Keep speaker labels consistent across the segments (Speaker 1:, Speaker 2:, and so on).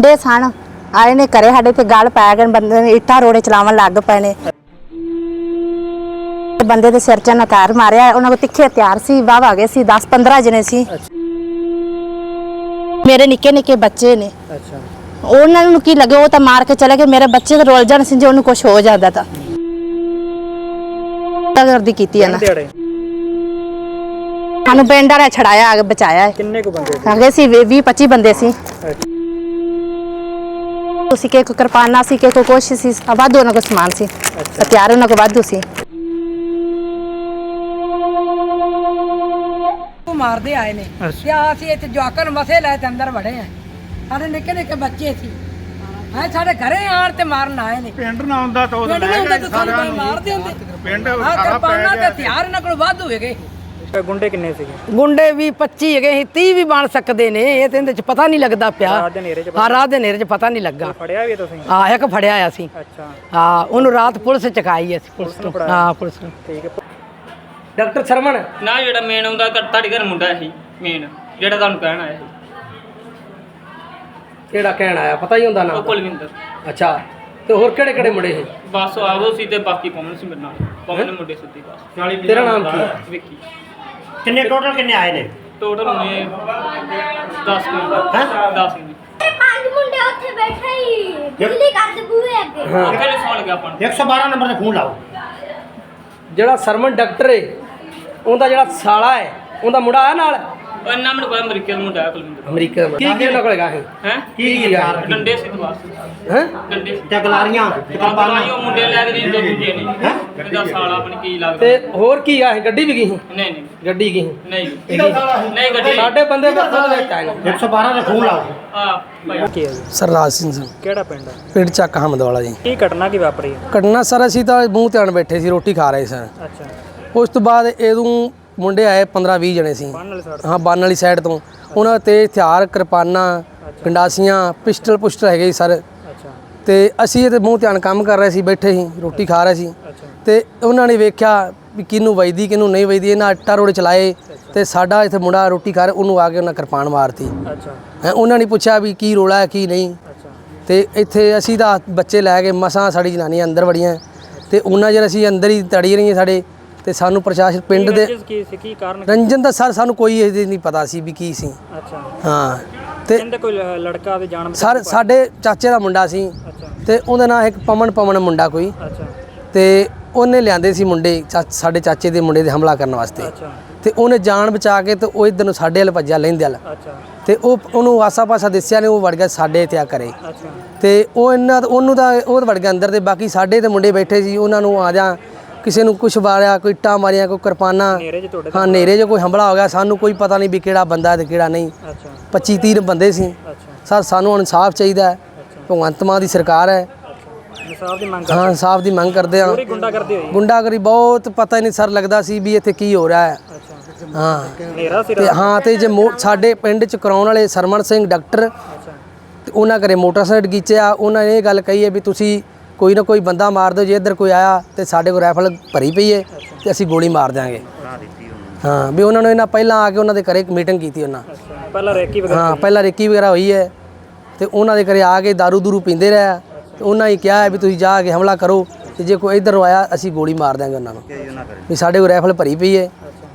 Speaker 1: ਮੁੰਡੇ ਸਨ ਆਏ ਨੇ ਘਰੇ ਸਾਡੇ ਤੇ ਗੱਲ ਪੈ ਗਏ ਬੰਦੇ ਨੇ ਇੱਟਾਂ ਰੋੜੇ ਚਲਾਉਣ ਲੱਗ ਪਏ ਨੇ ਬੰਦੇ ਦੇ ਸਿਰ 'ਚ ਨਾ ਤਾਰ ਮਾਰਿਆ ਉਹਨਾਂ ਕੋਲ ਤਿੱਖੇ ਹਥਿਆਰ ਸੀ ਵਾਹ ਆ ਗਏ ਸੀ 10-15 ਜਣੇ ਸੀ ਮੇਰੇ ਨਿੱਕੇ ਨਿੱਕੇ ਬੱਚੇ ਨੇ ਉਹਨਾਂ ਨੂੰ ਕੀ ਲੱਗੇ ਉਹ ਤਾਂ ਮਾਰ ਕੇ ਚਲੇ ਗਏ ਮੇਰੇ ਬੱਚੇ ਤਾਂ ਰੋਲ ਜਾਣ ਸੀ ਜੇ ਉਹਨੂੰ ਕੁਝ ਹੋ ਜਾਂਦਾ ਤਾਂ ਕਰਦੀ ਕੀਤੀ ਹੈ ਨਾ ਸਾਨੂੰ ਪਿੰਡ ਵਾਲਾ ਛੜਾਇਆ ਆ ਕੇ ਬਚਾਇਆ ਹੈ
Speaker 2: ਕਿੰਨੇ ਕੁ ਬੰਦੇ
Speaker 1: ਹੈਗੇ ਸੀ 20-25 ਬੰਦੇ ਸੀ ਤੁਸੀਂ ਕਿ ਕੋ ਕਿਰਪਾਨਾ ਸੀ ਕਿ ਕੋ ਕੁਛ ਸੀ ਵਾਧੂ ਉਹਨਾਂ ਕੋਲ ਸਮਾਨ ਸੀ ਹਥਿਆਰ ਉਹਨਾਂ ਕੋਲ ਵਾਧੂ ਸੀ
Speaker 3: ਮਾਰਦੇ ਆਏ ਨੇ ਤੇ ਅਸੀਂ ਇੱਥੇ ਜਵਾਕਾਂ ਨੂੰ ਮਸੇ ਲੈ ਤੇ ਅੰਦਰ ਵੜੇ ਆ ਸਾਡੇ ਨਿੱਕੇ ਨਿੱਕੇ ਬੱਚੇ ਸੀ ਹੈ ਸਾਡੇ ਘਰੇ ਆਣ ਤੇ ਮਾਰਨ ਆਏ ਨੇ
Speaker 2: ਪਿੰਡ ਨਾ ਹੁੰਦਾ ਤਾਂ ਉਹ ਲੈ ਗਏ
Speaker 3: ਸਾਰਿਆਂ ਨੂੰ ਮਾਰਦੇ ਹੁੰਦੇ
Speaker 2: ਪਿੰਡ
Speaker 3: ਹਾਂ ਕਿਰਪਾਨਾ ਤੇ ਹਥਿਆਰ ਇਹਨਾਂ ਕੋਲ ਵਾਧੂ ਹੈਗੇ
Speaker 2: ਗੁੰਡੇ ਕਿੰਨੇ ਸੀਗੇ
Speaker 3: ਗੁੰਡੇ ਵੀ 25 ਹੈਗੇ ਸੀ 30 ਵੀ ਬਣ ਸਕਦੇ ਨੇ ਇਹ ਤੇ ਇਹਦੇ ਚ ਪਤਾ ਨਹੀਂ ਲੱਗਦਾ ਪਿਆ
Speaker 2: ਰਾਤ ਦੇ ਹਨੇਰੇ 'ਚ
Speaker 3: ਹਾਂ ਰਾਤ ਦੇ ਹਨੇਰੇ ਚ ਪਤਾ ਨਹੀਂ ਲੱਗਾ
Speaker 2: ਫੜਿਆ ਵੀ ਤੁਸੀਂ
Speaker 3: ਹਾਂ ਇੱਕ ਫੜਿਆ ਆ ਸੀ
Speaker 2: ਅੱਛਾ
Speaker 3: ਹਾਂ ਉਹਨੂੰ ਰਾਤ ਪੁਲਿਸ ਚਕਾਈ ਅਸੀਂ ਪੁਲਿਸ ਨੂੰ ਹਾਂ ਪੁਲਿਸ ਨੂੰ
Speaker 2: ਠੀਕ ਹੈ
Speaker 3: ਡਾਕਟਰ ਸ਼ਰਮਨ
Speaker 4: ਨਾ ਜਿਹੜਾ ਮੇਨ ਆਉਂਦਾ ਤੁਹਾਡੇ ਘਰ ਮੁੰਡਾ ਸੀ ਮੇਨ ਜਿਹੜਾ ਤੁਹਾਨੂੰ ਕਹਿਣ ਆਇਆ ਸੀ
Speaker 3: ਕਿਹੜਾ ਕਹਿਣ ਆਇਆ ਪਤਾ ਹੀ ਹੁੰਦਾ
Speaker 4: ਉਹ
Speaker 3: ਨਾ
Speaker 4: ਕੁਲਵਿੰਦਰ
Speaker 3: ਅੱਛਾ ਤੇ ਹੋਰ ਕਿਹੜੇ ਕਿਹੜੇ ਮੁੰਡੇ ਸੀ
Speaker 4: ਬਸ ਆਵੋ ਸੀ ਤੇ ਬਾਕੀ ਪਵਨ ਸੀ ਮੇਰੇ ਨਾਲ ਪਵਨ ਮੁੰਡੇ ਸਿੱਧੀ ਬਸ
Speaker 3: ਤੇਰਾ ਨਾਮ ਕੀ ਹੈ
Speaker 4: ਵਿੱਕੀ
Speaker 2: ਕਿੰਨੇ ਟੋਟਲ ਕਿੰਨੇ ਆਏ ਨੇ
Speaker 4: ਟੋਟਲ ਹੋਣੇ 10
Speaker 2: ਹੈਂ?
Speaker 4: 10 ਨੇ
Speaker 5: ਪੰਜ ਮੁੰਡੇ ਉੱਥੇ ਬੈਠੇ ਹੀ ਬਿਜਲੀ ਕੱਟ ਬੂਹੇ ਅੱਗੇ
Speaker 4: ਕਿਹੜੇ ਸੌਣ ਲੱਗਾ ਆਪਾਂ ਨੂੰ
Speaker 2: 112 ਨੰਬਰ ਤੇ ਫੋਨ ਲਾਓ
Speaker 3: ਜਿਹੜਾ ਸਰਮਨ ਡਾਕਟਰ ਹੈ ਉਹਦਾ ਜਿਹੜਾ ਸਾਲਾ ਹੈ ਉਹਦਾ ਮੁੰਡਾ ਆਇਆ ਨਾਲ
Speaker 4: ਉਹ ਇੰਨਾ ਮੈਨੂੰ ਪਤਾ ਅਮਰੀਕਾ ਦਾ ਮੁੰਡਾ ਹੈ ਕੁਲਵਿੰਦਰ
Speaker 3: ਅਮਰੀਕਾ ਦਾ ਕੀ ਉਹਨਾਂ ਕੋਲ ਹੈਗਾ ਹੈ
Speaker 4: ਹੈ
Speaker 3: ਕੀ ਯਾਰ
Speaker 4: ਡੰਡੇ ਸੀ ਬਸ
Speaker 3: ਹੈ
Speaker 4: ਡੰਡੇ ਸੀ
Speaker 2: ਤੇ ਗਲਾਰੀਆਂ
Speaker 4: ਉਹ ਮੁੰਡੇ ਲੈ ਕੇ ਨਹੀਂ ਦੋ ਦੂਜੇ ਨੇ ਇਹਦਾ ਸਾਲਾ ਆਪਣੀ ਕੀ ਲੱਗਦਾ
Speaker 3: ਤੇ ਹੋਰ ਕੀ ਆ ਗੱਡੀ ਵੀ ਗਈ ਸੀ
Speaker 4: ਨਹੀਂ ਨਹੀਂ
Speaker 3: ਗੱਡੀ ਗਈ
Speaker 4: ਨਹੀਂ ਨਹੀਂ ਗੱਡੀ
Speaker 3: ਸਾਡੇ ਬੰਦੇ ਦਾ ਖੁਦ ਵਿੱਚ ਆਏ ਨੇ
Speaker 2: 112 ਤੇ ਫੋਨ ਲਾਓ
Speaker 4: ਆ ਭਾਈ
Speaker 2: ਕੀ ਹੈ ਜੀ
Speaker 6: ਸਰਰਾਜ ਸਿੰਘ ਜੀ
Speaker 2: ਕਿਹੜਾ ਪਿੰਡ ਹੈ
Speaker 6: ਪਿੰਡ ਚੱਕ ਹਮਦਵਾਲਾ ਜੀ
Speaker 2: ਕੀ ਘਟਨਾ ਕੀ ਵਾਪਰੀ ਹੈ
Speaker 6: ਕੱਟਣਾ ਸਰ ਅਸੀਂ ਤਾਂ ਮੂੰਹ ਧਿਆਨ ਬੈਠੇ ਸੀ ਰੋਟੀ ਖਾ ਰਹੇ ਸਨ
Speaker 2: ਅੱਛਾ
Speaker 6: ਉਸ ਤੋਂ ਬਾਅਦ ਇਹਦੋਂ ਮੁੰਡੇ ਆਏ 15-20 ਜਣੇ ਸੀ
Speaker 2: ਬੰਨ ਵਾਲੀ ਸਾਈਡ
Speaker 6: ਹਾਂ ਬੰਨ ਵਾਲੀ ਸਾਈਡ ਤੋਂ ਉਹਨਾਂ ਤੇ ਹਥਿਆਰ ਕਿਰਪਾਨਾਂ ਗੰਡਾਸੀਆਂ ਪਿਸਟਲ ਪੁਸਟਲ ਹੈਗੇ ਸੀ ਸਰ
Speaker 2: ਅੱਛਾ
Speaker 6: ਤੇ ਅਸੀਂ ਇਹਦੇ ਮੂੰਹ ਧਿਆਨ ਕੰਮ ਕਰ ਰਹੇ ਸੀ ਬੈਠੇ ਸੀ ਰੋਟੀ ਖਾ ਰਹੇ ਸੀ
Speaker 2: ਅੱਛਾ
Speaker 6: ਤੇ ਉਹਨਾਂ ਨੇ ਵੇਖਿਆ ਵੀ ਕਿਹਨੂੰ ਵਜਦੀ ਕਿਹਨੂੰ ਨਹੀਂ ਵਜਦੀ ਇਹਨਾਂ ਆਟਾ ਰੋੜੇ ਚਲਾਏ ਤੇ ਸਾਡਾ ਇੱਥੇ ਮੁੰਡਾ ਰੋਟੀ ਖਾ ਰਿਹਾ ਉਹਨੂੰ ਆ ਕੇ ਉਹਨਾਂ ਕਿਰਪਾਨ ਮਾਰਤੀ
Speaker 2: ਅੱਛਾ
Speaker 6: ਉਹਨਾਂ ਨੇ ਪੁੱਛਿਆ ਵੀ ਕੀ ਰੋਲਾ ਹੈ ਕੀ ਨਹੀਂ
Speaker 2: ਅੱਛਾ
Speaker 6: ਤੇ ਇੱਥੇ ਅਸੀਂ ਤਾਂ ਬੱਚੇ ਲੈ ਕੇ ਮਸਾਂ ਸਾਡੀ ਜਨਾਨੀਆਂ ਅੰਦਰ ਵੜੀਆਂ ਤੇ ਉਹਨਾਂ ਜਰ ਅਸੀਂ ਅੰਦਰ ਹੀ ਤੜੀ ਰਹੀਆਂ ਸਾਡੇ ਤੇ ਸਾਨੂੰ ਪ੍ਰਸ਼ਾਸਨ ਪਿੰਡ ਦੇ
Speaker 2: ਕੀ ਸੀ ਕੀ ਕਾਰਨ
Speaker 6: ਰੰਜਨ ਦਾ ਸਰ ਸਾਨੂੰ ਕੋਈ ਇਹ ਨਹੀਂ ਪਤਾ ਸੀ ਵੀ ਕੀ ਸੀ
Speaker 2: ਅੱਛਾ
Speaker 6: ਹਾਂ ਤੇ
Speaker 2: ਕਹਿੰਦੇ ਕੋਈ ਲੜਕਾ ਦੇ ਜਾਣ
Speaker 6: ਸਰ ਸਾਡੇ ਚਾਚੇ ਦਾ ਮੁੰਡਾ ਸੀ
Speaker 2: ਅੱਛਾ
Speaker 6: ਤੇ ਉਹਦਾ ਨਾਂ ਇੱਕ ਪਮਨ ਮੁੰਡਾ ਕੋਈ
Speaker 2: ਅੱਛਾ
Speaker 6: ਤੇ ਉਹਨੇ ਲਿਆਂਦੇ ਸੀ ਮੁੰਡੇ ਸਾਡੇ ਚਾਚੇ ਦੇ ਮੁੰਡੇ ਦੇ ਹਮਲਾ ਕਰਨ ਵਾਸਤੇ
Speaker 2: ਅੱਛਾ
Speaker 6: ਤੇ ਉਹਨੇ ਜਾਨ ਬਚਾ ਕੇ ਤੇ ਉਹ ਇਧਰ ਨੂੰ ਸਾਡੇ ਵੱਲ ਭੱਜਿਆ ਲੈਂਦੇ ਵੱਲ
Speaker 2: ਅੱਛਾ
Speaker 6: ਤੇ ਉਹਨੂੰ ਆਸਾ-ਪਾਸਾ ਦਿਸਿਆ ਨੇ ਉਹ ਵੜ ਗਿਆ ਸਾਡੇ ਇੱਥੇ ਆ ਕਰੇ
Speaker 2: ਅੱਛਾ
Speaker 6: ਤੇ ਉਹਨੂੰ ਤਾਂ ਉਹ ਵੜ ਗਿਆ ਅੰਦਰ ਤੇ ਬਾਕੀ ਸਾਡੇ ਤੇ ਮੁੰਡੇ ਬੈਠੇ ਸੀ ਉਹਨਾਂ ਨੂੰ ਆ ਜਾ ਕਿਸੇ ਨੂੰ ਕੁਛ ਮਾਰਿਆ ਕੋਈ ਇੱਟਾਂ ਮਾਰੀਆਂ ਕੋਈ ਕਿਰਪਾਨਾਂ
Speaker 2: ਨੇਰੇ 'ਚ ਤੁਹਾਡੇ
Speaker 6: ਹਾਂ ਨੇਰੇ 'ਚ ਕੋਈ ਹਮਲਾ ਹੋ ਗਿਆ ਸਾਨੂੰ ਕੋਈ ਪਤਾ ਨਹੀਂ ਵੀ ਕਿਹੜਾ ਬੰਦਾ ਤੇ ਕਿਹੜਾ ਨਹੀਂ
Speaker 2: ਅੱਛਾ
Speaker 6: 25-30 ਬੰਦੇ ਸੀ
Speaker 2: ਅੱਛਾ
Speaker 6: ਸਰ ਸਾਨੂੰ ਇਨਸਾਫ ਚਾਹੀਦਾ ਹੈ ਭਗਵੰਤ ਮਾਨ ਦੀ ਸਰਕਾਰ ਹੈ
Speaker 2: ਇਨਸਾਫ ਦੀ ਮੰਗ
Speaker 6: ਹਾਂ ਇਨਸਾਫ ਦੀ ਮੰਗ ਕਰਦੇ ਹਾਂ
Speaker 2: ਪੂਰੀ ਗੁੰਡਾ ਕਰਦੇ ਹੋਈ
Speaker 6: ਗੁੰਡਾਗਰੀ ਬਹੁਤ ਪਤਾ ਹੀ ਨਹੀਂ ਸਰ ਲੱਗਦਾ ਸੀ ਵੀ ਇੱਥੇ ਕੀ ਹੋ ਰਿਹਾ ਹੈ
Speaker 2: ਅੱਛਾ
Speaker 6: ਹਾਂ
Speaker 2: ਨੇਰਾ ਸੀ
Speaker 6: ਤੇ ਹਾਂ ਤੇ ਜੇ ਸਾਡੇ ਪਿੰਡ ਚ ਕਰਾਉਣ ਵਾਲੇ ਸਰਮਨ ਸਿੰਘ ਡਾਕਟਰ
Speaker 2: ਅੱਛਾ
Speaker 6: ਤੇ ਉਹਨਾਂ ਘਰੇ ਮੋਟਰਸਾਈਕਲ ਗੀਚਿਆ ਉਹਨਾਂ ਨੇ ਇਹ ਗੱਲ ਕਹੀ ਹੈ ਵੀ ਤੁਸੀਂ ਕੋਈ ਨਾ ਕੋਈ ਬੰਦਾ ਮਾਰ ਦਿਓ ਜੇ ਇੱਧਰ ਕੋਈ ਆਇਆ ਤੇ ਸਾਡੇ ਕੋਲ ਰਾਈਫਲ ਭਰੀ ਪਈ ਹੈ ਤੇ ਅਸੀਂ ਗੋਲੀ ਮਾਰ ਦਿਆਂਗੇ ਹਾਂ ਵੀ ਉਹਨਾਂ ਨੂੰ ਇਹਨਾਂ ਪਹਿਲਾਂ ਆ ਕੇ ਉਹਨਾਂ ਦੇ ਘਰੇ ਇੱਕ ਮੀਟਿੰਗ ਕੀਤੀ ਉਹਨਾਂ
Speaker 2: ਅੱਛਾ ਪਹਿਲਾਂ ਰੇਕੀ ਵਗੈਰਾ
Speaker 6: ਹਾਂ ਪਹਿਲਾਂ ਰੇਕੀ ਵਗੈਰਾ ਹੋਈ ਹੈ ਤੇ ਉਹਨਾਂ ਦੇ ਘਰੇ ਆ ਕੇ ਦਾਰੂ ਦੂਰੂ ਪੀਂਦੇ ਰਹੇ ਤੇ ਉਹਨਾਂ ਹੀ ਕਿਹਾ ਹੈ ਵੀ ਤੁਸੀਂ ਜਾ ਕੇ ਹਮਲਾ ਕਰੋ ਤੇ ਜੇ ਕੋਈ ਇੱਧਰ ਆਇਆ ਅਸੀਂ ਗੋਲੀ ਮਾਰ ਦਿਆਂਗੇ ਉਹਨਾਂ ਨੂੰ ਵੀ ਸਾਡੇ ਕੋਲ ਰਾਈਫਲ ਭਰੀ ਪਈ ਹੈ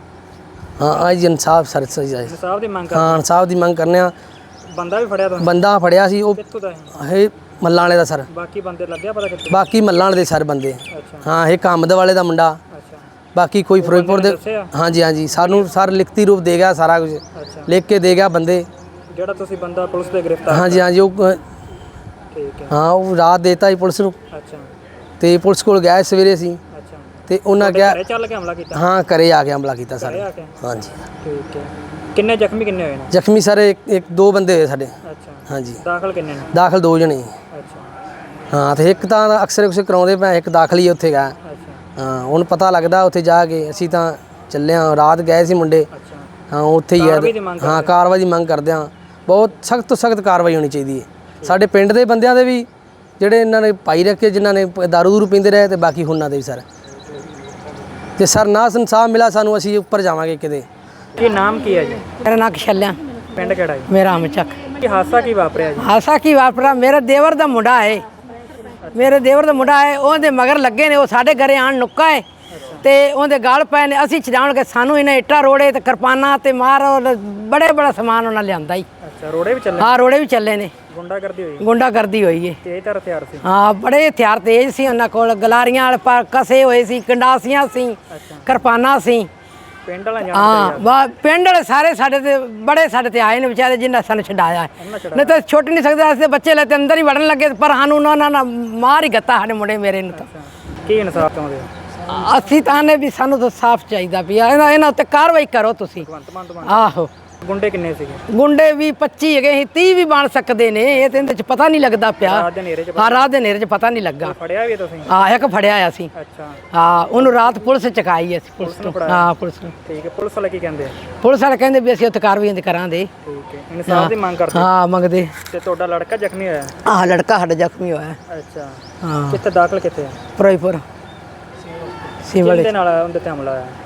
Speaker 6: ਹਾਂ ਅੱਜ ਇਨਸਾਫ ਸਰ ਸਹੀ ਜਾਏ
Speaker 2: ਇਨਸਾਫ ਦੀ ਮੰਗ
Speaker 6: ਹਾਂ ਇਨਸਾਫ ਦੀ ਮੰਗ ਕਰਨੇ ਆ
Speaker 2: ਬੰਦਾ ਵੀ ਫੜਿਆ ਤੁਹਾਨੂੰ
Speaker 6: ਬੰਦਾ ਫੜਿਆ ਸੀ ਉਹ
Speaker 2: ਕਿੱਥੋਂ ਦਾ ਹੈ
Speaker 6: ਇਹ ਮੱਲਾਂ ਵਾਲੇ ਦਾ ਸਰ
Speaker 2: ਬਾਕੀ ਬੰਦੇ ਲੱਗਿਆ ਪਤਾ ਕਿੱਥੇ
Speaker 6: ਬਾਕੀ ਮੱਲਾਂ ਵਾਲੇ ਦੇ ਸਰ ਬੰਦੇ
Speaker 2: ਅੱਛਾ
Speaker 6: ਹਾਂ ਇਹ ਕਾਮਦ ਵਾਲੇ ਦਾ ਮੁੰਡਾ
Speaker 2: ਅੱਛਾ
Speaker 6: ਬਾਕੀ ਕੋਈ ਫਿਰੋਜ਼ਪੁਰ ਦੇ
Speaker 2: ਦੱਸਿਆ?
Speaker 6: ਹਾਂਜੀ ਸਾਨੂੰ ਸਰ ਲਿਖਤੀ ਰੂਪ ਦੇ ਗਿਆ ਸਾਰਾ ਕੁਝ
Speaker 2: ਅੱਛਾ
Speaker 6: ਲਿਖ ਕੇ ਦੇ ਗਿਆ ਬੰਦੇ
Speaker 2: ਜਿਹੜਾ ਤੁਸੀਂ ਬੰਦਾ ਪੁਲਿਸ ਦੇ ਗ੍ਰਿਫਤਾਰ
Speaker 6: ਹਾਂਜੀ ਉਹ
Speaker 2: ਠੀਕ ਹੈ
Speaker 6: ਹਾਂ ਉਹ ਰਾਤ ਦੇਤਾ ਸੀ ਪੁਲਿਸ ਨੂੰ
Speaker 2: ਅੱਛਾ
Speaker 6: ਤੇ ਪੁਲਿਸ ਕੋਲ ਗਏ ਸਵੇਰੇ ਸੀ
Speaker 2: ਅੱਛਾ
Speaker 6: ਤੇ ਉਹਨਾਂ ਕਿਹਾ
Speaker 2: ਘਰੇ ਚੱਲ ਕੇ ਹਮਲਾ ਕੀਤਾ
Speaker 6: ਹਾਂ ਘਰੇ ਆ ਕੇ ਹਮਲਾ ਕੀਤਾ
Speaker 2: ਘਰੇ
Speaker 6: ਸਾਡੇ
Speaker 2: ਆ ਕੇ
Speaker 6: ਹਾਂਜੀ
Speaker 2: ਠੀਕ ਹੈ ਕਿੰਨੇ ਜ਼ਖਮੀ ਕਿੰਨੇ ਹੋਏ ਨੇ
Speaker 6: ਜ਼ਖਮੀ ਸਰ ਇੱਕ ਦੋ ਬੰਦੇ ਹੋਏ ਸਾਡੇ
Speaker 2: ਅੱਛਾ
Speaker 6: ਹਾਂਜੀ
Speaker 2: ਦਾਖਲ ਕਿੰਨੇ ਨੇ
Speaker 6: ਦਾਖਲ ਦੋ ਜਣੇ
Speaker 2: ਅੱਛਾ
Speaker 6: ਹਾਂ ਤੇ ਇੱਕ ਤਾਂ ਅਕਸਰ ਕਰਾਉਂਦੇ ਪਏ ਇੱਕ ਦਾਖਲ ਹੀ ਉੱਥੇ ਗਿਆ
Speaker 2: ਅੱਛਾ
Speaker 6: ਹਾਂ ਹੁਣ ਪਤਾ ਲੱਗਦਾ ਉੱਥੇ ਜਾ ਕੇ ਅਸੀਂ ਤਾਂ ਚੱਲੇ ਹਾਂ ਰਾਤ ਗਏ ਸੀ ਮੁੰਡੇ
Speaker 2: ਅੱਛਾ
Speaker 6: ਹਾਂ ਉੱਥੇ ਹੀ
Speaker 2: ਕਾਰਵਾਈ ਦੀ
Speaker 6: ਹੈ
Speaker 2: ਮੰਗ
Speaker 6: ਹਾਂ ਕਾਰਵਾਈ ਦੀ ਮੰਗ ਕਰਦੇ ਹਾਂ ਬਹੁਤ ਸਖਤ ਤੋਂ ਸਖਤ ਕਾਰਵਾਈ ਹੋਣੀ ਚਾਹੀਦੀ ਹੈ ਸਾਡੇ ਪਿੰਡ ਦੇ ਬੰਦਿਆਂ ਦੇ ਵੀ ਜਿਹੜੇ ਇਹਨਾਂ ਨੇ ਪਾਈ ਰੱਖੇ ਜਿਨ੍ਹਾਂ ਨੇ ਦਾਰੂ ਦੂਰੂ ਪੀਂਦੇ ਰਹੇ ਤੇ ਬਾਕੀ ਉਹਨਾਂ ਦੇ ਵੀ ਸਰ ਜੇ ਸਰ ਨਾ ਇਨਸਾਫ ਮਿਲਾ ਸਾਨੂੰ ਅਸੀਂ ਉੱਪਰ ਜਾਵਾਂਗੇ ਕਿਤੇ
Speaker 2: ਕੀ ਨਾਮ ਕੀ ਹੈ ਜੀ
Speaker 3: ਮੇਰਾ ਨਾਂ ਕਸ਼ਲਿਆ
Speaker 2: ਪਿੰਡ ਕਿਹੜਾ ਹੈ
Speaker 3: ਮੇਰਾ ਅਮਚਕ
Speaker 2: ਕੀ ਹਾਦਸਾ ਕੀ ਵਾਪਰਿਆ ਜੀ?
Speaker 3: ਹਾਸਾ ਕੀ ਵਾਪਰਾ, ਮੇਰੇ ਦੇਵਰ ਦਾ ਮੁੰਡਾ ਹੈ, ਮੇਰੇ ਦੇਵਰ ਦਾ ਮੁੰਡਾ ਹੈ, ਉਹਦੇ ਮਗਰ ਲੱਗੇ ਨੇ, ਉਹ ਸਾਡੇ ਘਰੇ ਆਣ ਨੁੱਕਾ ਹੈ ਤੇ ਉਹਦੇ ਗਾਲ ਪਏ ਨੇ। ਅਸੀਂ ਛਡਾਉਣ ਕੇ ਸਾਨੂੰ ਇਹਨੇ ਇੱਟਾਂ ਰੋੜੇ ਤੇ ਕਿਰਪਾਨਾਂ ਤੇ ਮਾਰ ਬੜਾ ਸਮਾਨ ਉਹਨਾਂ ਲਿਆਂਦਾ ਹੀ।
Speaker 2: ਅੱਛਾ, ਰੋੜੇ ਵੀ ਚੱਲੇ?
Speaker 3: ਹਾਂ, ਰੋੜੇ ਵੀ ਚੱਲੇ ਨੇ।
Speaker 2: ਗੁੰਡਾਗਰਦੀ ਹੋਈ?
Speaker 3: ਗੁੰਡਾਗਰਦੀ ਹੋਈ ਹੈ।
Speaker 2: ਤੇਜ਼ ਧਾਰ ਹਥਿਆਰ ਸੀ?
Speaker 3: ਹਾਂ, ਬੜੇ ਹਥਿਆਰ ਤੇਜ਼ ਸੀ ਉਹਨਾਂ ਕੋਲ, ਗਲਾਰੀਆਂ ਵਾਲੇ ਕਸੇ ਹੋਏ ਸੀ, ਕੰਡਾਸੀਆਂ ਸੀ, ਕਿਰਪਾਨਾਂ ਸੀ।
Speaker 2: ਪਿੰਡ ਵਾਲਾ
Speaker 3: ਹਾਂ, ਪਿੰਡ ਵਾਲੇ ਸਾਰੇ ਸਾਡੇ ਤੇ ਬੜੇ ਸਾਡੇ ਤੇ ਆਏ ਨੇ ਵਿਚਾਰੇ, ਜਿਨ੍ਹਾਂ ਸਾਨੂੰ ਛਡਾਇਆ ਹੈ। ਨਹੀਂ ਤਾਂ ਛੁੱਟ ਨਹੀਂ ਸਕਦੇ, ਅਸੀਂ ਬੱਚੇ ਲੈ ਤੇ ਅੰਦਰ ਹੀ ਵੜਨ ਲੱਗੇ, ਪਰ ਸਾਨੂੰ ਉਹਨਾਂ ਨਾਲ ਮਾਰ ਹੀ ਗੱਤਾ ਸਾਡੇ ਮੁੰਡੇ ਮੇਰੇ ਨੂੰ। ਤਾਂ
Speaker 2: ਕੀ ਇਨਸਾਫ ਚਾਹੁੰਦੇ ਹੋ?
Speaker 3: ਅਸੀਂ ਤਾਂ ਨੇ ਵੀ ਸਾਨੂੰ ਤਾਂ ਸਾਫ਼ ਚਾਹੀਦਾ ਵੀ ਇਹਨਾਂ ਉੱਤੇ ਕਾਰਵਾਈ ਕਰੋ ਤੁਸੀਂ। ਆਹੋ।
Speaker 2: ਗੁੰਡੇ ਕਿੰਨੇ ਸੀਗੇ?
Speaker 3: ਗੁੰਡੇ ਵੀ 25 ਹੈਗੇ ਸੀ, 30 ਵੀ ਬਣ ਸਕਦੇ ਨੇ, ਇਹ ਤੇ ਇਹਦੇ ਚ ਪਤਾ ਨਹੀਂ ਲੱਗਦਾ ਪਿਆ।
Speaker 2: ਰਾਤ ਦੇ ਹਨੇਰੇ 'ਚ?
Speaker 3: ਹਾਂ, ਰਾਤ ਦੇ ਹਨੇਰੇ 'ਚ ਪਤਾ ਨਹੀਂ ਲੱਗਾ।
Speaker 2: ਫੜਿਆ ਵੀ ਤੁਸੀਂ?
Speaker 3: ਹਾਂ, ਇੱਕ ਫੜਿਆ ਆ ਸੀ।
Speaker 2: ਅੱਛਾ।
Speaker 3: ਹਾਂ, ਉਹਨੂੰ ਰਾਤ ਪੁਲਿਸ ਚਕਾਈ ਅਸੀਂ, ਪੁਲਿਸ ਨੂੰ। ਹਾਂ, ਪੁਲਿਸ ਨੂੰ।
Speaker 2: ਠੀਕ ਹੈ, ਪੁਲਿਸ ਵਾਲੇ ਕੀ ਕਹਿੰਦੇ?
Speaker 3: ਪੁਲਿਸ ਵਾਲੇ ਕਹਿੰਦੇ ਵੀ ਅਸੀਂ ਉੱਥੇ ਕਾਰਵਾਈ ਕਰਾਂਗੇ।
Speaker 2: ਠੀਕ ਹੈ, ਇਨਸਾਫ ਦੀ ਮੰਗ ਕਰਦੇ?
Speaker 3: ਹਾਂ, ਮੰਗਦੇ।
Speaker 2: ਤੇ ਤੁਹਾਡਾ ਲੜਕਾ ਜ਼ਖਮੀ ਹੋਇਆ?
Speaker 3: ਆਹ ਲੜਕਾ ਸਾਡਾ ਜ਼ਖਮੀ ਹੋਇਆ।
Speaker 2: ਅੱਛਾ,
Speaker 3: ਹਾਂ।
Speaker 2: ਕਿੱਥੇ ਦਾਖਲ ਕਿੱਥੇ ਹੈ?
Speaker 3: ਫਿਰੋਜ਼ਪੁਰ ਸਿਵਲ।
Speaker 2: ਕਿਹਦੇ ਨਾਲ ਉਹਦੇ ਤੇ ਹਮਲਾ ਹੋਇਆ?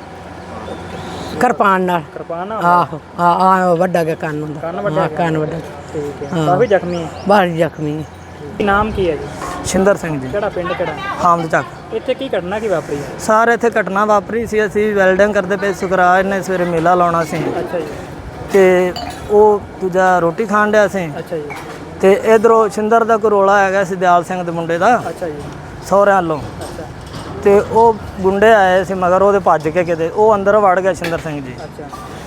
Speaker 3: ਕਿਰਪਾਨ ਨਾਲ।
Speaker 2: ਕਿਰਪਾਨ ਨਾਲ?
Speaker 3: ਆਹੋ। ਹਾਂ, ਵੱਡਾ ਗਿਆ ਕੰਨ ਹੁੰਦਾ।
Speaker 2: ਕੰਨ ਵੱਡਾ?
Speaker 3: ਕੰਨ ਵੱਡਾ।
Speaker 2: ਠੀਕ ਹੈ, ਕਾਫੀ ਜ਼ਖਮੀ ਹੈ?
Speaker 3: ਬਾਹਰ ਜ਼ਖਮੀ ਹੈ।
Speaker 2: ਕੀ ਨਾਮ ਕੀ ਹੈ ਜੀ?
Speaker 7: ਸ਼ਿੰਦਰ ਸਿੰਘ ਜੀ,
Speaker 2: ਕਿਹੜਾ ਪਿੰਡ ਕਿਹੜਾ?
Speaker 7: ਹਾਮਦ ਚੱਕ।
Speaker 2: ਇੱਥੇ ਕੀ ਘਟਨਾ ਕੀ ਵਾਪਰੀ ਹੈ?
Speaker 7: ਸਾਰੇ ਇੱਥੇ ਘਟਨਾ ਵਾਪਰੀ ਸੀ, ਅਸੀਂ ਵੈਲਡਿੰਗ ਕਰਦੇ ਪਏ, ਸੁਖਰਾਜ ਨੇ ਸਵੇਰੇ ਮੇਲਾ ਲਾਉਣਾ ਸੀ
Speaker 2: ਅੱਛਾ ਜੀ।
Speaker 7: ਤੇ ਉਹ ਦੂਜਾ ਰੋਟੀ ਖਾਣ ਡਿਆ ਸੀ
Speaker 2: ਅੱਛਾ ਜੀ।
Speaker 7: ਤੇ ਇਧਰੋਂ ਸ਼ਿੰਦਰ ਦਾ ਕੋਈ ਰੋਲਾ ਹੈਗਾ ਸੀ ਦਿਆਲ ਸਿੰਘ ਦੇ ਮੁੰਡੇ ਦਾ,
Speaker 2: ਅੱਛਾ ਜੀ।
Speaker 7: ਸਹੁਰਿਆਂ ਵੱਲੋਂ।
Speaker 2: ਅੱਛਾ
Speaker 7: ਤੇ ਉਹ ਗੁੰਡੇ ਆਏ ਸੀ ਮਗਰ ਉਹਦੇ, ਭੱਜ ਕੇ ਕਿਤੇ ਉਹ ਅੰਦਰ ਵੜ ਗਿਆ ਸ਼ਿੰਦਰ ਸਿੰਘ ਜੀ।
Speaker 2: ਅੱਛਾ।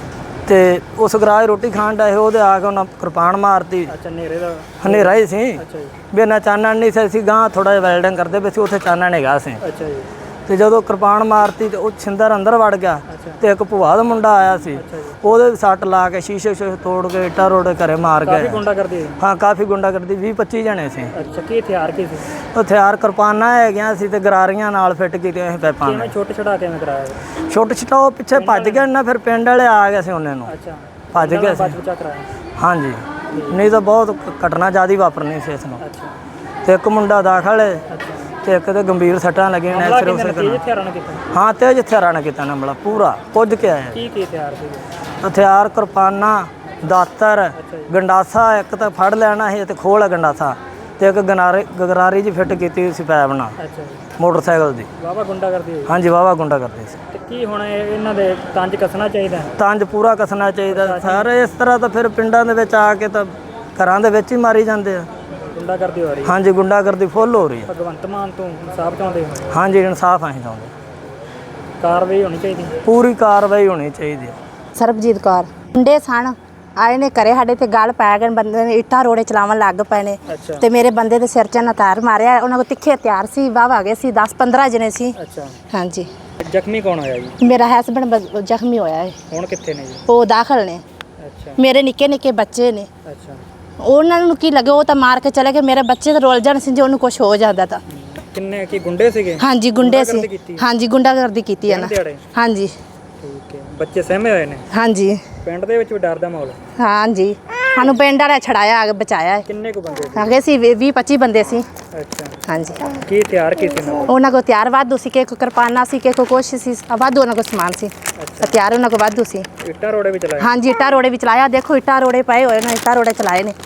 Speaker 7: ਤੇ ਉਹ ਸੁਖਰਾਜ ਰੋਟੀ ਖਾਣ ਡਿਆ ਸੀ, ਉਹਦੇ ਆ ਕੇ ਉਹਨਾਂ ਕਿਰਪਾਨ ਮਾਰਤੀ।
Speaker 2: ਅੱਛਾ, ਹਨੇਰੇ ਦਾ?
Speaker 7: ਹਨੇਰਾ ਹੀ ਸੀ
Speaker 2: ਅੱਛਾ ਜੀ।
Speaker 7: ਵੀ ਇਹਨਾਂ ਚਾਨਣ ਨਹੀਂ ਸੀ, ਅਸੀਂ ਗਾਂ ਥੋੜਾ ਜਿਹਾ ਵੈਲਡਿੰਗ ਕਰਦੇ ਪਏ ਸੀ, ਉੱਥੇ ਚਾਨਣ ਹੈਗਾ ਸੀ।
Speaker 2: ਅੱਛਾ ਜੀ।
Speaker 7: ਤੇ ਜਦੋਂ ਕਿਰਪਾਨ ਮਾਰਤੀ ਤੇ ਉਹ ਛਿੰਦਰ ਅੰਦਰ ਵੜ ਗਿਆ
Speaker 2: ਅੱਛਾ।
Speaker 7: ਤੇ ਇੱਕ ਭੂਆ ਦਾ ਮੁੰਡਾ ਆਇਆ ਸੀ,
Speaker 2: ਅੱਛਾ ਜੀ।
Speaker 7: ਉਹਦੇ ਵੀ ਸੱਟ ਲਾ ਕੇ ਸ਼ੀਸ਼ੇ ਤੋੜ ਕੇ ਇੱਟਾਂ ਰੋੜੇ ਘਰੇ ਮਾਰ
Speaker 2: ਕਾਫੀ
Speaker 7: ਗਏ।
Speaker 2: ਗੁੰਡਾ ਕਰਦੀ?
Speaker 7: ਹਾਂ, ਕਾਫੀ ਗੁੰਡਾਗਰਦੀ, 20-25 ਜਣੇ ਸੀ।
Speaker 2: ਅੱਛਾ, ਕੀ ਹਥਿਆਰ ਕੀ ਸੀ?
Speaker 7: ਹਥਿਆਰ ਕਿਰਪਾਨਾਂ ਹੈਗੀਆਂ ਸੀ ਤੇ ਗਰਾਰੀਆਂ ਨਾਲ ਫਿੱਟ ਕੀਤੀਆਂ ਸੀ ਪੈਪਾਂ
Speaker 2: ਕਿਵੇਂ ਛੋਟੇ ਛੜਾ ਕਿਵੇਂ ਕਰਾਇਆ?
Speaker 7: ਛੋਟੇ ਛੋਟਾ ਉਹ ਪਿੱਛੇ ਭੱਜ ਗਿਆ ਨਾ, ਫਿਰ ਪਿੰਡ ਵਾਲੇ ਆ ਗਏ ਸੀ ਉਹਨਾਂ ਨੂੰ,
Speaker 2: ਅੱਛਾ,
Speaker 7: ਭੱਜ ਗਏ ਸੀ।
Speaker 2: ਬਚਾ ਕਰਾਇਆ?
Speaker 7: ਹਾਂਜੀ, ਨਹੀਂ ਤਾਂ ਬਹੁਤ ਘਟਨਾ ਜ਼ਿਆਦਾ ਵਾਪਰਨੀ ਸੀ ਇਸ ਨੂੰ।
Speaker 2: ਅੱਛਾ।
Speaker 7: ਤੇ ਇੱਕ ਮੁੰਡਾ ਦਾਖਲ ਹੈ
Speaker 2: ਅੱਛਾ।
Speaker 7: ਤੇ ਇੱਕ ਤੇ ਗੰਭੀਰ ਸੱਟਾਂ ਲੱਗੀਆਂ ਨੇ, ਸਿਰ ਉਸੇ
Speaker 2: ਤੇਜ਼ ਹਥਿਆਰਾਂ ਨਾਲ ਕੀਤਾ?
Speaker 7: ਹਾਂ, ਤੇਜ਼ ਹਥਿਆਰਾਂ ਨਾਲ ਕੀਤਾ ਨਾ, ਬੜਾ ਪੂਰਾ ਪੁੱਜ ਕੇ ਆਇਆ।
Speaker 2: ਕੀ ਕੀ ਹਥਿਆਰ ਸੀਗੇ?
Speaker 7: ਹਥਿਆਰ ਕਿਰਪਾਨਾਂ, ਦਾਤਰ, ਗੰਡਾਸਾ, ਇੱਕ ਤਾਂ ਫੜ ਲੈਣਾ ਸੀ ਤੇ ਖੋਲ ਗੰਡਾਸਾ, ਤੇ ਇੱਕ ਗਰਾਰੀ ਜੀ ਫਿੱਟ ਕੀਤੀ ਸੀ ਪੈਪ ਨਾਲ
Speaker 2: ਅੱਛਾ ਜੀ।
Speaker 7: ਮੋਟਰਸਾਈਕਲ ਦੀ।
Speaker 2: ਵਾਵਾ ਗੁੰਡਾ ਕਰਦੀ ਹੋਈ?
Speaker 7: ਹਾਂਜੀ, ਵਾਵਾ ਗੁੰਡਾ ਕਰਦੇ ਸੀ।
Speaker 2: ਤੇ ਕੀ ਹੁਣ ਇਹਨਾਂ ਦੇ ਤੰਜ ਕੱਸਣਾ ਚਾਹੀਦਾ?
Speaker 7: ਤੰਜ ਪੂਰਾ ਕੱਸਣਾ ਚਾਹੀਦਾ। ਸਾਰੇ ਇਸ ਤਰ੍ਹਾਂ ਤਾਂ ਫਿਰ ਪਿੰਡਾਂ ਦੇ ਵਿੱਚ ਆ ਕੇ ਤਾਂ ਘਰਾਂ ਦੇ ਵਿੱਚ ਹੀ ਮਾਰੀ ਜਾਂਦੇ ਆ।
Speaker 2: ਗੁੰਡਾ ਕਰਦੀ ਹੋ ਰਹੀ?
Speaker 7: ਹਾਂਜੀ, ਗੁੰਡਾਗਰਦੀ ਫੁੱਲ ਹੋ ਰਹੀ ਹੈ।
Speaker 2: ਭਗਵੰਤ ਮਾਨ ਤੋਂ ਇਨਸਾਫ ਚਾਹੁੰਦੇ ਹੋ?
Speaker 7: ਹਾਂਜੀ, ਇਨਸਾਫ ਅਸੀਂ ਚਾਹੁੰਦੇ,
Speaker 2: ਕਾਰਵਾਈ ਹੋਣੀ ਚਾਹੀਦੀ?
Speaker 7: ਪੂਰੀ ਕਾਰਵਾਈ ਹੋਣੀ ਚਾਹੀਦੀ ਹੈ।
Speaker 1: ਸਰਬਜੀਤ ਕੌਰ। ਮੁੰਡੇ ਸਨ ਆਏ ਨੇ ਘਰੇ ਸਾਡੇ ਤੇ ਗੱਲ ਪੈ ਗਏ, ਬੰਦੇ ਨੇ ਇੱਟਾਂ ਰੋੜੇ ਚਲਾਉਣ ਲੱਗ ਪਏ ਨੇ।
Speaker 2: ਅੱਛਾ।
Speaker 1: ਤੇ ਮੇਰੇ ਬੰਦੇ ਦੇ ਸਿਰ 'ਚ ਨਾ ਤਾਰ ਮਾਰਿਆ, ਉਹਨਾਂ ਕੋਲ ਤਿੱਖੇ ਹਥਿਆਰ ਸੀ, ਵਾਹ ਗਏ ਸੀ, 10-15 ਜਣੇ ਸੀ।
Speaker 2: ਅੱਛਾ।
Speaker 1: ਹਾਂਜੀ।
Speaker 2: ਜ਼ਖਮੀ ਕੌਣ ਹੋਇਆ ਜੀ?
Speaker 1: ਮੇਰਾ ਹਸਬੰਡ ਜ਼ਖਮੀ ਹੋਇਆ ਹੈ।
Speaker 2: ਹੁਣ ਕਿੱਥੇ ਨੇ ਜੀ?
Speaker 1: ਉਹ ਦਾਖਲ ਨੇ।
Speaker 2: ਅੱਛਾ।
Speaker 1: ਮੇਰੇ ਨਿੱਕੇ ਨਿੱਕੇ ਬੱਚੇ ਨੇ।
Speaker 2: ਅੱਛਾ।
Speaker 1: ਉਹਨਾਂ ਨੂੰ ਕੀ ਲੱਗੇ, ਉਹ ਤਾਂ ਮਾਰ ਕੇ ਚਲੇ ਗਏ, ਮੇਰੇ ਬੱਚੇ ਤਾਂ ਰੁੱਲ ਜਾਣ ਸੀ ਜੇ ਉਹਨੂੰ ਕੁਝ ਹੋ ਜਾਂਦਾ ਤਾਂ।
Speaker 2: ਕਿੰਨੇ ਕੀ ਗੁੰਡੇ ਸੀਗੇ?
Speaker 1: ਹਾਂਜੀ, ਗੁੰਡੇ ਸੀ। ਹਾਂਜੀ, ਗੁੰਡਾਗਰਦੀ ਕੀਤੀ ਹੈ ਨਾ। ਹਾਂਜੀ।
Speaker 2: ਠੀਕ ਹੈ, ਬੱਚੇ ਸਹਿਮੇ ਹੋਏ ਨੇ?
Speaker 1: ਹਾਂਜੀ।
Speaker 2: ਪਿੰਡ ਦੇ ਵਿੱਚ ਵੀ ਡਰ ਦਾ ਮਾਹੌਲ?
Speaker 1: ਹਾਂਜੀ, ਸਾਨੂੰ ਪਿੰਡ ਵਾਲਿਆਂ ਛੜਾਇਆ, ਆ ਕੇ ਬਚਾਇਆ।
Speaker 2: ਕਿੰਨੇ ਕੁ ਬੰਦੇ ਸੀ?
Speaker 1: ਹੈਗੇ ਸੀ 20-25 ਬੰਦੇ ਸੀ।
Speaker 2: ਅੱਛਾ।
Speaker 1: ਹਾਂਜੀ।
Speaker 2: ਕੀ ਹਥਿਆਰ ਕੀ ਸੀ ਨਾਲ?
Speaker 1: ਉਹਨਾਂ ਕੋਲ ਹਥਿਆਰ ਵਾਧੂ ਸੀ, ਕਿਸੇ ਕੋਲ ਕਿਰਪਾਨਾਂ ਸੀ, ਕਿਸੇ ਕੋਲ ਕੁਛ ਸੀ, ਵਾਧੂ ਉਹਨਾਂ ਕੋਲ ਸਮਾਨ ਸੀ। ਹਥਿਆਰ ਉਹਨਾਂ ਕੋਲ ਵਾਧੂ ਸੀ।
Speaker 2: ਇੱਟਾਂ ਰੋੜੇ ਵੀ ਚਲਾਏ?
Speaker 1: ਹਾਂਜੀ, ਇੱਟਾਂ ਰੋੜੇ ਵੀ ਚਲਾਇਆ, ਦੇਖੋ ਇੱਟਾਂ ਰੋੜੇ ਪਏ ਹੋਏ ਨੇ, ਇੱਟਾਂ ਰੋੜੇ ਚਲਾਏ ਨੇ।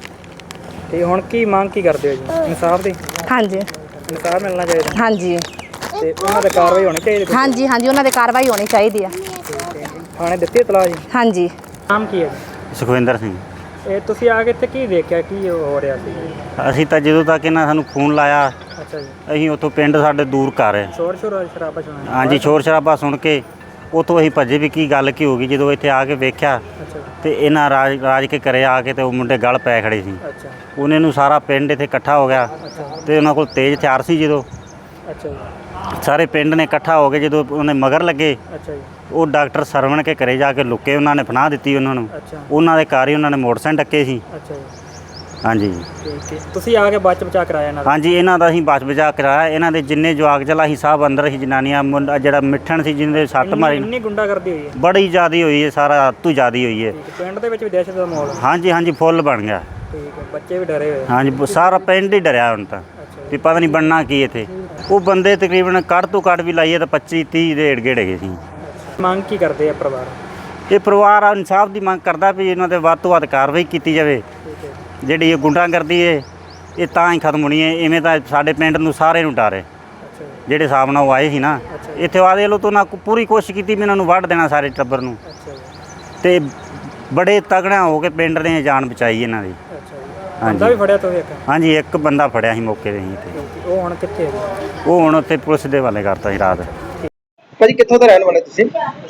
Speaker 2: ਤੇ ਹੁਣ ਕੀ ਮੰਗ ਕੀ ਕਰਦੇ ਹੋ ਜੀ? ਇਨਸਾਫ ਦੀ?
Speaker 1: ਹਾਂਜੀ।
Speaker 2: ਇਨਸਾਫ ਮਿਲਣਾ ਚਾਹੀਦਾ?
Speaker 1: ਹਾਂਜੀ।
Speaker 2: ਤੇ ਉਹਨਾਂ ਤੇ ਕਾਰਵਾਈ ਹੋਣੀ ਚਾਹੀਦੀ?
Speaker 1: ਹਾਂਜੀ ਹਾਂਜੀ, ਉਹਨਾਂ ਦੇ ਕਾਰਵਾਈ ਹੋਣੀ ਚਾਹੀਦੀ ਆ।
Speaker 2: ਥਾਣੇ ਦਿੱਤੀ ਇਤਲਾਹ ਜੀ?
Speaker 1: ਹਾਂਜੀ।
Speaker 2: ਨਾਮ ਕੀ ਹੈ ਜੀ?
Speaker 8: ਸੁਖਵਿੰਦਰ ਸਿੰਘ।
Speaker 2: ਇਹ ਤੁਸੀਂ ਆ ਕੇ ਇੱਥੇ ਕੀ ਦੇਖਿਆ, ਕੀ ਹੋ ਰਿਹਾ ਸੀ?
Speaker 8: ਅਸੀਂ ਤਾਂ ਜਦੋਂ ਤੱਕ ਇਹਨਾਂ ਸਾਨੂੰ ਫੋਨ ਲਾਇਆ,
Speaker 2: ਅੱਛਾ ਜੀ।
Speaker 8: ਅਸੀਂ ਉੱਥੋਂ ਪਿੰਡ ਸਾਡੇ ਦੂਰ ਘਰ ਹੈ।
Speaker 2: ਸ਼ੋਰ ਸ਼ਰਾਬਾ ਸੁਣਿਆ?
Speaker 8: ਹਾਂਜੀ, ਸ਼ੋਰ ਸ਼ਰਾਬਾ ਸੁਣ ਕੇ ਉੱਥੋਂ ਅਸੀਂ ਭੱਜੇ ਵੀ ਕੀ ਗੱਲ ਕੀ ਹੋ ਗਈ। ਜਦੋਂ ਇੱਥੇ ਆ ਕੇ ਵੇਖਿਆ
Speaker 2: ਅੱਛਾ।
Speaker 8: ਤੇ ਇਹਨਾਂ ਰਾਜ ਕੇ ਘਰੇ ਆ ਕੇ ਤੇ ਉਹ ਮੁੰਡੇ ਗਲ ਪੈ ਖੜੇ ਸੀ।
Speaker 2: ਅੱਛਾ।
Speaker 8: ਉਹਨਾਂ ਨੂੰ ਸਾਰਾ ਪਿੰਡ ਇੱਥੇ ਇਕੱਠਾ ਹੋ ਗਿਆ ਤੇ ਉਹਨਾਂ ਕੋਲ ਤੇਜ਼ ਹਥਿਆਰ ਸੀ। ਜਦੋਂ
Speaker 2: ਅੱਛਾ ਜੀ।
Speaker 8: ਸਾਰੇ ਪਿੰਡ ਨੇ ਇਕੱਠਾ ਹੋ ਕੇ ਜਦੋਂ ਉਹਨੇ ਮਗਰ ਲੱਗੇ,
Speaker 2: ਅੱਛਾ ਜੀ।
Speaker 8: ਉਹ ਡਾਕਟਰ ਸਰਵਣ ਕੇ ਘਰੇ ਜਾ ਕੇ ਲੁੱਕੇ, ਉਹਨਾਂ ਨੇ ਪਨਾਹ ਦਿੱਤੀ ਉਹਨਾਂ ਨੂੰ।
Speaker 2: ਅੱਛਾ।
Speaker 8: ਉਹਨਾਂ ਦੇ ਘਰ ਹੀ ਉਹਨਾਂ ਨੇ ਮੋਟਰਸਾਈਕਲ ਡੱਕੇ ਸੀ।
Speaker 2: ਅੱਛਾ ਜੀ।
Speaker 8: ਹਾਂਜੀ।
Speaker 2: ਠੀਕ ਹੈ, ਤੁਸੀਂ ਆ ਕੇ ਬਚਾ ਕਰਾਇਆ ਇਹਨਾਂ ਦਾ?
Speaker 8: ਹਾਂਜੀ, ਇਹਨਾਂ ਦਾ ਅਸੀਂ ਬਚਾ ਕਰਾਇਆ। ਇਹਨਾਂ ਦੇ ਜਿੰਨੇ ਜਵਾਕ ਚਲਾ ਸੀ ਸਭ ਅੰਦਰ ਸੀ, ਜਨਾਨੀਆਂ, ਮੁੰਡਾ ਜਿਹੜਾ ਮਿੱਠਣ ਸੀ ਜਿਹਦੇ ਸੱਟ ਮਾਰੀ,
Speaker 2: ਇੰਨੀ ਗੁੰਡਾ ਕਰਦੀ ਹੋਈ ਹੈ?
Speaker 8: ਬੜੀ ਜ਼ਿਆਦੀ ਹੋਈ ਹੈ, ਸਾਰਾ ਤੂੰ ਜ਼ਿਆਦੀ ਹੋਈ ਹੈ।
Speaker 2: ਪਿੰਡ ਦੇ ਵਿੱਚ ਵੀ ਦਹਿਸ਼ਤ ਦਾ ਮਾਹੌਲ?
Speaker 8: ਹਾਂਜੀ ਹਾਂਜੀ, ਫੁੱਲ ਬਣ ਗਿਆ।
Speaker 2: ਠੀਕ ਹੈ, ਬੱਚੇ ਵੀ ਡਰੇ ਹੋਏ?
Speaker 8: ਹਾਂਜੀ, ਸਾਰਾ ਪਿੰਡ ਹੀ ਡਰਿਆ ਹੁਣ ਤਾਂ ਵੀ ਪਤਾ ਨਹੀਂ ਬਣਨਾ ਕੀ ਇੱਥੇ। ਉਹ ਬੰਦੇ ਤਕਰੀਬਨ ਕੱਢ ਤੋਂ ਕੱਢ ਵੀ ਲਾਈਏ ਤਾਂ 25-30 ਦੇ ਏੜ ਗੇੜ ਹੈਗੇ ਸੀ।
Speaker 2: ਮੰਗ ਕੀ ਕਰਦੇ ਆ ਪਰਿਵਾਰ?
Speaker 8: ਇਹ ਪਰਿਵਾਰ ਇਨਸਾਫ ਦੀ ਮੰਗ ਕਰਦਾ ਵੀ ਇਹਨਾਂ ਦੇ ਵੱਧ ਤੋਂ ਵੱਧ ਕਾਰਵਾਈ ਕੀਤੀ ਜਾਵੇ ਜਿਹੜੀ ਇਹ ਗੁੰਡਾਗਰਦੀ ਹੈ ਇਹ ਤਾਂ ਹੀ ਖਤਮ ਹੋਣੀ ਹੈ। ਇਵੇਂ ਤਾਂ ਸਾਡੇ ਪਿੰਡ ਨੂੰ ਸਾਰੇ ਨੂੰ ਡਰ ਹੈ।
Speaker 2: ਅੱਛਾ ਜੀ,
Speaker 8: ਜਿਹੜੇ ਹਿਸਾਬ ਨਾਲ ਉਹ ਆਏ ਸੀ ਨਾ ਇੱਥੇ ਆਦੇ ਲੋ ਤੋਂ ਨਾ ਪੂਰੀ ਕੋਸ਼ਿਸ਼ ਕੀਤੀ ਵੀ ਇਹਨਾਂ ਨੂੰ ਵੱਢ ਦੇਣਾ ਸਾਰੇ ਟੱਬਰ ਨੂੰ,
Speaker 2: ਅੱਛਾ ਜੀ,
Speaker 8: ਤੇ ਬੜੇ ਤਗੜਿਆਂ ਹੋ ਕੇ ਪਿੰਡ ਨੇ ਜਾਨ ਬਚਾਈ ਇਹਨਾਂ ਦੀ।
Speaker 2: ਅੱਛਾ ਜੀ।
Speaker 8: ਹਾਂਜੀ।
Speaker 2: ਬੰਦਾ ਵੀ ਫੜਿਆ ਤੋਂ ਇੱਕ?
Speaker 8: ਹਾਂਜੀ, ਇੱਕ ਬੰਦਾ ਫੜਿਆ ਸੀ ਮੌਕੇ 'ਤੇ ਹੀ ਇੱਥੇ।
Speaker 2: ਉਹ ਹੁਣ ਕਿੱਥੇ ਹੈ?
Speaker 8: ਉਹ ਹੁਣ ਉੱਥੇ ਪੁਲਿਸ ਦੇ ਹਵਾਲੇ ਕਰਤਾ ਸੀ ਰਾਤ।
Speaker 9: ਭਾਜੀ ਕਿੱਥੋਂ ਦੇ ਰਹਿਣ ਵਾਲੇ ਤੁਸੀਂ?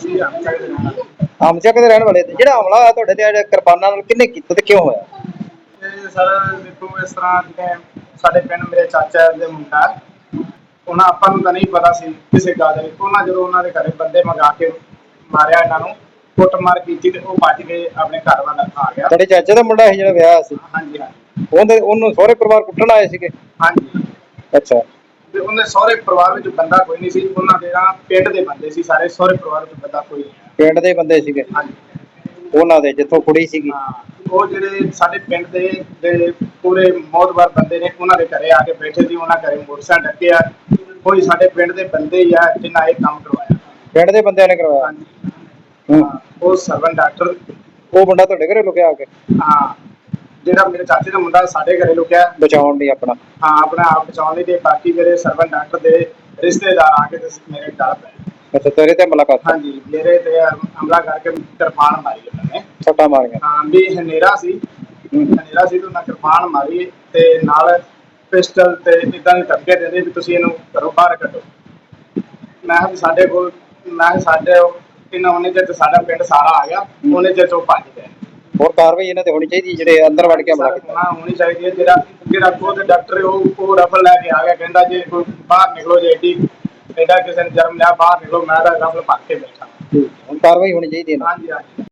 Speaker 9: ਆਮਚੱਕ ਦੇ ਰਹਿਣ ਵਾਲੇ। ਤੇ ਜਿਹੜਾ ਹਮਲਾ ਹੋਇਆ ਤੁਹਾਡੇ ਤੇ ਕਿਰਪਾਨਾਂ ਨਾਲ ਕਿਹਨੇ ਕੀਤਾ ਤੇ ਕਿਉਂ ਹੋਇਆ?
Speaker 10: ਸਰ ਦੇਖੋ ਇਸ ਤਰ੍ਹਾਂ ਜਿਵੇਂ ਸਾਡੇ ਪਿੰਡ ਮੇਰੇ ਚਾਚਾ ਦੇ ਮੁੰਡਾ, ਉਹਨਾਂ ਆਪਾਂ ਨੂੰ ਤਾਂ ਨਹੀਂ ਪਤਾ ਸੀ ਕਿਸੇ ਗੱਲ ਦੇ। ਉਹਨਾਂ ਜਦੋਂ ਉਹਨਾਂ ਦੇ ਘਰੇ ਬੰਦੇ ਮੰਗਾ ਕੇ ਮਾਰਿਆ, ਇਹਨਾਂ ਨੂੰ ਕੁੱਟਮਾਰ ਕੀਤੀ ਤੇ ਉਹ ਭੱਜ ਕੇ ਆਪਣੇ ਘਰ ਵੱਲ ਆ ਗਿਆ।
Speaker 9: ਤੁਹਾਡੇ ਚਾਚੇ ਦਾ ਮੁੰਡਾ ਸੀ ਜਿਹੜਾ ਵਿਆਹ ਸੀ?
Speaker 10: ਹਾਂਜੀ ਹਾਂਜੀ।
Speaker 9: ਉਹਨੂੰ ਸਹੁਰੇ ਪਰਿਵਾਰ ਕੁੱਟਣ ਆਏ ਸੀਗੇ?
Speaker 10: ਹਾਂਜੀ।
Speaker 9: ਅੱਛਾ।
Speaker 10: ਤੇ ਉਹਦੇ ਸਹੁਰੇ ਪਰਿਵਾਰ ਵਿੱਚ ਬੰਦਾ ਕੋਈ ਨਹੀਂ ਸੀ, ਉਹਨਾਂ ਦੇ ਨਾ ਪਿੰਡ ਦੇ ਬੰਦੇ ਸੀ ਸਾਰੇ, ਸਹੁਰੇ ਪਰਿਵਾਰ ਵਿੱਚ ਬੰਦਾ ਕੋਈ ਨਹੀਂ।
Speaker 9: ਪਿੰਡ ਦੇ ਬੰਦੇ ਸੀਗੇ?
Speaker 10: ਹਾਂਜੀ।
Speaker 9: ਉਹਨਾਂ ਦੇ ਜਿੱਥੋਂ ਕੁੜੀ ਸੀਗੀ?
Speaker 10: ਹਾਂ, ਉਹ ਜਿਹੜੇ ਸਾਡੇ ਪਿੰਡ ਦੇ ਪੂਰੇ ਮੌਤਬਾਰ ਬੰਦੇ ਨੇ, ਉਹਨਾਂ ਦੇ ਘਰੇ ਆ ਕੇ ਬੈਠੇ ਸੀ। ਉਹਨਾਂ ਘਰੇ ਮੋਟਰਸਾਈਕਲ ਡੱਕਿਆ, ਕੋਈ ਸਾਡੇ ਪਿੰਡ ਦੇ ਬੰਦੇ ਹੀ ਆ ਜਿਨ੍ਹਾਂ ਇਹ ਕੰਮ ਕਰਵਾਇਆ।
Speaker 9: ਪਿੰਡ ਦੇ ਬੰਦਿਆਂ ਨੇ ਕਰਵਾਇਆ?
Speaker 10: ਹਾਂਜੀ। ਉਹ ਸਰਵਨ ਡਾਕਟਰ।
Speaker 9: ਉਹ ਮੁੰਡਾ ਤੁਹਾਡੇ ਘਰੇ ਲੁਕਿਆ ਆ ਕੇ?
Speaker 10: ਹਾਂ, ਜਿਹੜਾ ਮੇਰੇ ਚਾਚੇ ਦਾ ਮੁੰਡਾ ਸਾਡੇ ਘਰੇ ਲੁਕਿਆ
Speaker 9: ਬਚਾਉਣ ਲਈ ਆਪਣਾ?
Speaker 10: ਹਾਂ, ਆਪਣਾ ਆਪ ਬਚਾਉਣ ਲਈ। ਤੇ ਬਾਕੀ ਜਿਹੜੇ ਸਰਵਨ ਡਾਕਟਰ ਦੇ ਰਿਸ਼ਤੇਦਾਰ ਆ ਕੇ ਤੇ ਮੇਰੇ ਘਰ ਪਏ।
Speaker 9: ਅੱਛਾ, ਤੇਰੇ ਤੇ ਮੁਲਾਕਾਤ?
Speaker 10: ਹਾਂਜੀ, ਮੇਰੇ ਤੇ ਹਮਲਾ ਕਰਕੇ ਕਿਰਪਾਨ ਮਾਰੀ ਉਹਨਾਂ ਨੇ।
Speaker 9: ਸੱਟਾਂ ਮਾਰੀਆਂ?
Speaker 10: ਹਾਂ, ਵੀ ਹਨੇਰਾ ਸੀ ਤੇ ਉਹਨਾਂ ਕਿਰਪਾਨ ਮਾਰੀ ਤੇ ਨਾਲ ਪਿਸਟਲ ਤੇ ਇਦਾਂ ਦੀ ਧਮਕੀ ਦਿੰਦੇ ਵੀ ਤੁਸੀਂ ਇਹਨੂੰ ਘਰੋਂ ਬਾਹਰ ਕੱਢੋ। ਮੈਂ ਕਿਹਾ ਵੀ ਸਾਡੇ ਕੋਲ, ਇਹਨਾਂ ਉਹਨੇ ਚਿਰ ਸਾਡਾ ਪਿੰਡ ਸਾਰਾ ਆ ਗਿਆ, ਉਹਨੇ ਚਿਰ ਚੋਂ ਭੱਜ ਗਏ।
Speaker 9: ਹੋਰ ਕਾਰਵਾਈ ਇਹਨਾਂ ਤੇ ਹੋਣੀ ਚਾਹੀਦੀ ਜਿਹੜੇ ਅੰਦਰ ਵੜ ਕੇ ਹਮਲਾ ਕੀਤਾ?
Speaker 10: ਹਾਂ, ਹੋਣੀ ਚਾਹੀਦੀ ਹੈ। ਜਿਹੜਾ ਖੁਦ ਡਾਕਟਰ ਉਹ ਰਫਲ ਲੈ ਕੇ ਆ ਗਿਆ, ਕਹਿੰਦਾ ਜੇ ਕੋਈ ਬਾਹਰ ਨਿਕਲੋ, ਜੇ ਐਡਾ ਕਿਸੇ ਨੇ ਜਨਮ ਲਿਆ ਬਾਹਰ ਨਿਕਲੋ, ਮੈਂ ਤਾਂ ਰਫਲ ਭਰ ਕੇ ਬੈਠਾ।
Speaker 9: ਹੁਣ ਕਾਰਵਾਈ ਹੋਣੀ ਚਾਹੀਦੀ ਹੈ।
Speaker 10: ਹਾਂਜੀ ਹਾਂਜੀ।